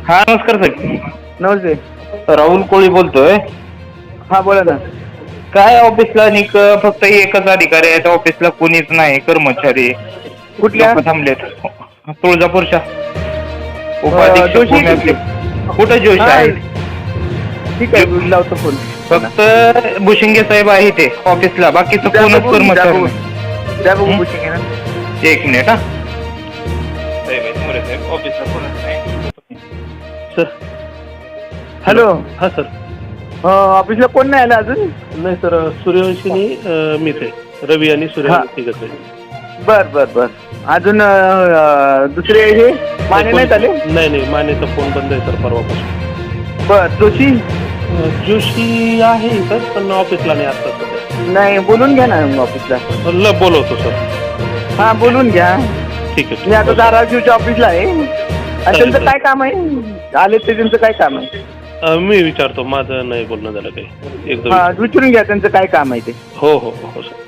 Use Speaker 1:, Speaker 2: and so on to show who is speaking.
Speaker 1: हा नमस्कार साहेब.
Speaker 2: नमस्ते.
Speaker 1: राहुल कोळी बोलतोय.
Speaker 2: हा बोला ना.
Speaker 1: काय ऑफिसला फक्त एकच अधिकारी आहे, ऑफिसला कोणीच नाही, कर्मचारी
Speaker 2: कुठल्या
Speaker 1: लोक थांबलेत. तुळजापूरच्या उपाधीक्षक
Speaker 2: जोशी
Speaker 1: भूमी कुठे जोशी
Speaker 2: हा
Speaker 1: आहेत.
Speaker 2: ठीक आहे, लावतो फोन.
Speaker 1: फक्त भुशिंगे साहेब आहे ते ऑफिसला, बाकीचं
Speaker 2: द्या
Speaker 1: कोणच
Speaker 2: बघू, द्या
Speaker 1: कर्मचारी
Speaker 2: बघू, द्या बघू
Speaker 1: नाही.
Speaker 2: बुशिंग आहे ना.
Speaker 1: एक मिनिट. हा साहेब आहेत, मोरे साहेब, ऑफिसला कोणच नाही सर.
Speaker 2: हॅलो.
Speaker 3: हां सर.
Speaker 2: ऑफिसला कोण नाही आलं अजून?
Speaker 3: नाही सर, सूर्यवंशीनी मीच आहे, रवी आणि सूर्यवंशी तिघच आहे.
Speaker 2: बर बर बर. अजून दुसरे हे माने नाहीत आले?
Speaker 3: नाही, मानेचा फोन बंद आहे सर परवापासून.
Speaker 2: बर. जोशी
Speaker 3: जोशी आहे सर, पण ऑफिसला नाही आता सध्या.
Speaker 2: नाही, बोलून घ्या ना ऑफिसला.
Speaker 3: बोलवतो सर.
Speaker 2: हा बोलून घ्या.
Speaker 3: ठीक आहे.
Speaker 2: मी आता धाराशिवच्या ऑफिसला आहे. आणि त्यांचं काय काम आहे? आले ते त्यांचं काय काम आहे?
Speaker 3: मी विचारतो, माझं नाही बोलणं झालं काही. एकदम
Speaker 2: हा विचारून घ्या त्यांचं काय काम आहे ते.
Speaker 3: हो सर.